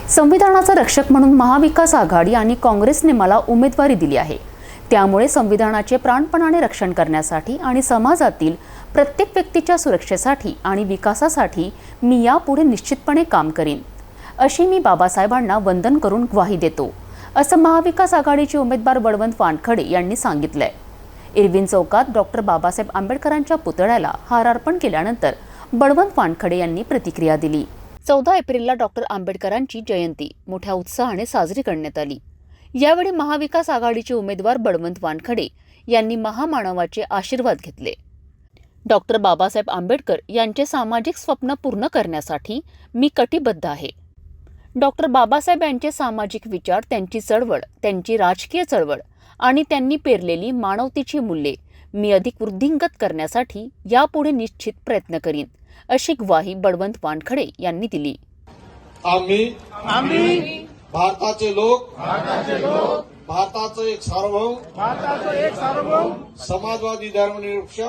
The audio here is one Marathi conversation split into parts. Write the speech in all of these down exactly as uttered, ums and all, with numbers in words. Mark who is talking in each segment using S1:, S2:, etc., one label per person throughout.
S1: संविधानाचा रक्षक म्हणून महाविकास आघाडी आणि काँग्रेसने मला उमेदवारी दिली आहे। त्यामुळे संविधानाचे प्राणपणाने रक्षण करण्यासाठी आणि समाजातील प्रत्येक व्यक्तीच्या सुरक्षेसाठी आणि विकासासाठी मी यापुढे निश्चितपणे काम करीन, अशी मी बाबासाहेबांना वंदन करून ग्वाही देतो, असं महाविकास आघाडीचे उमेदवार बळवंत वानखडे यांनी सांगितलंय। इरविन चौकात डॉक्टर बाबासाहेब आंबेडकरांच्या पुतळ्याला हार अर्पण केल्यानंतर बळवंत वानखडे यांनी प्रतिक्रिया दिली। चौदा एप्रिलला डॉक्टर आंबेडकरांची जयंती मोठ्या उत्साहाने साजरी करण्यात आली। यावेळी महाविकास आघाडीचे उमेदवार बळवंत वानखडे यांनी महामानवाचे आशीर्वाद घेतले। डॉक्टर बाबासाहेब आंबेडकर यांचे सामाजिक स्वप्न पूर्ण करण्यासाठी मी कटिबद्ध आहे। डॉक्टर बाबासाहेब यांचे सामाजिक विचार, त्यांची चळवळ, त्यांची राजकीय चळवळ आणि त्यांनी पेरलेली मानवतेची मूल्ये मी अधिक वृद्धिंगत करण्यासाठी यापुढे निश्चित प्रयत्न करीन, अशी ग्वाही बळवंत वानखडे यांनी दिली।
S2: आम्ही
S3: आम्ही
S2: भारताचे लोक
S3: भारताचे लोक
S2: भारताचं एक सार्वभौम
S3: भारताचं एक सार्वभौम
S2: समाजवादी धर्मनिरपेक्ष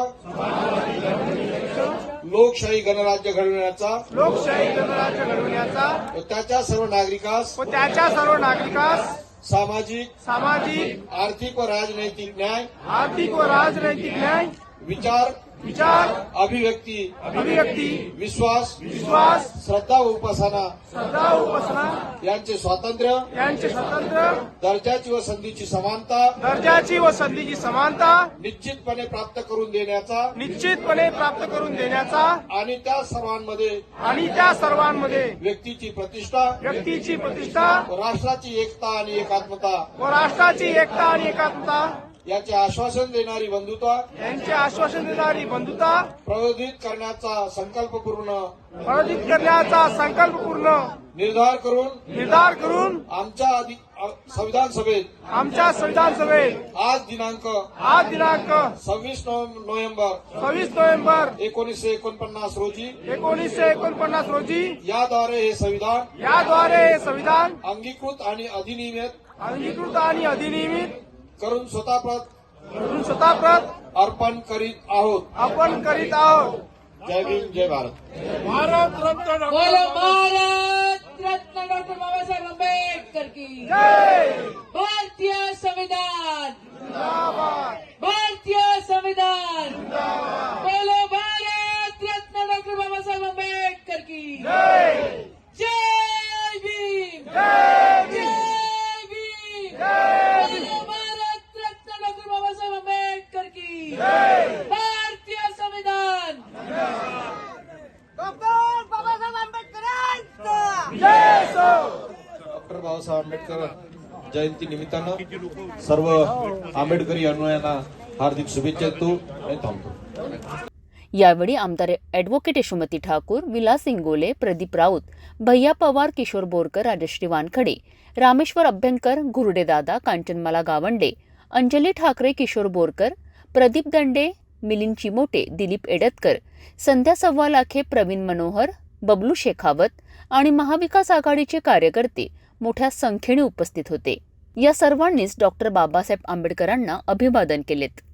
S2: लोकशाही गणराज्य घडविण्याचा
S3: लोकशाही गणराज्य घडविण्याचा
S2: व त्याच्या सर्व नागरिकास
S3: व त्याच्या सर्व नागरिकास
S2: सामाजिक
S3: सामाजिक,
S2: आर्थिक व राजनैतिक न्याय,
S3: आर्थिक व राजनैतिक न्याय,
S2: विचार,
S3: विचार,
S2: अभिव्यक्ती,
S3: अभिव्यक्ती,
S2: विश्वास,
S3: विश्वास,
S2: श्रद्धा व उपासना
S3: श्रद्धा व उपासना
S2: यांचे स्वातंत्र्य,
S3: यांचे स्वातंत्र्य,
S2: दर्जाची व संधीची समानता
S3: दर्जाची व संधीची समानता
S2: निश्चितपणे प्राप्त करून देण्याचा
S3: निश्चितपणे प्राप्त करून देण्याचा
S2: आणि त्या सर्वांमध्ये
S3: आणि त्या सर्वांमध्ये
S2: व्यक्तीची प्रतिष्ठा
S3: व्यक्तीची प्रतिष्ठा
S2: व राष्ट्राची एकता आणि एकात्मता
S3: व राष्ट्राची एकता आणि एकात्मता
S2: याचे आश्वासन देणारी बंधुता
S3: यांचे आश्वासन देणारी बंधुता
S2: प्रबोधित करण्याचा संकल्पपूर्ण
S3: प्रबोधित करण्याचा संकल्पपूर्ण
S2: निर्धार करून
S3: निर्धार करून
S2: आमच्या अधि- अ- संविधान सभेत
S3: आमच्या संविधान सभेत
S2: आज दिनांक
S3: आज दिनांक
S2: सव्वीस नोव्हेंबर
S3: सव्वीस नोव्हेंबर
S2: एकोणीसशे एकोणपन्नास रोजी
S3: एकोणीसशे एकोणपन्नास रोजी
S2: याद्वारे हे संविधान
S3: याद्वारे हे संविधान
S2: अंगीकृत आणि अधिनियमित
S3: अंगीकृत आणि अधिनियमित
S2: करून स्वतःप्रत
S3: करून स्वतःप्रत
S2: अर्पण करीत आहोत।
S3: आपण करीत आहोत।
S2: जय भीम, जय भारत।
S3: भारत रत्न
S4: बोलो भारत रत्न डॉक्टर बाबासाहेब आंबेडकर की
S3: जय।
S4: भारतीय संविधान
S3: जिंदाबाद,
S4: भारतीय संविधान बोलो भारत रत्न डॉक्टर बाबासाहेब आंबेडकर की
S3: जय।
S4: जय भीम,
S3: जय भीम,
S4: जय भीम,
S3: जय भीम,
S4: बोलो भारत रत्न डॉक्टर बाबासाहेब आंबेडकर की
S3: जय।
S4: भारतीय संविधान
S3: डॉक्टर बाबासाहेब आंबेडकरांचा जय सो।
S2: डॉक्टर बाबासाहेब आंबेडकर जयंती निमित्तानं सर्व आंबेडकरी अनुयायांना हार्दिक शुभेच्छा देतो आणि थांबतो।
S1: यावेळी आमदार ॲडव्होकेट यशोमती ठाकूर, विलास इंगोले, प्रदीप राऊत, भैया पवार, किशोर बोरकर, राजश्री वानखडे, रामेश्वर अभ्यंकर, घुरडेदादा, कांचनमाला गावंडे, अंजली ठाकरे, किशोर बोरकर, प्रदीप दंडे, मिलिंद चिमोटे, दिलीप एडतकर, संध्या सव्वालाखे, प्रवीण मनोहर, बबलू शेखावत आणि महाविकास आघाडीचे कार्यकर्ते मोठ्या संख्येने उपस्थित होते। या सर्वांनीच डॉक्टर बाबासाहेब आंबेडकरांना अभिवादन केलेत।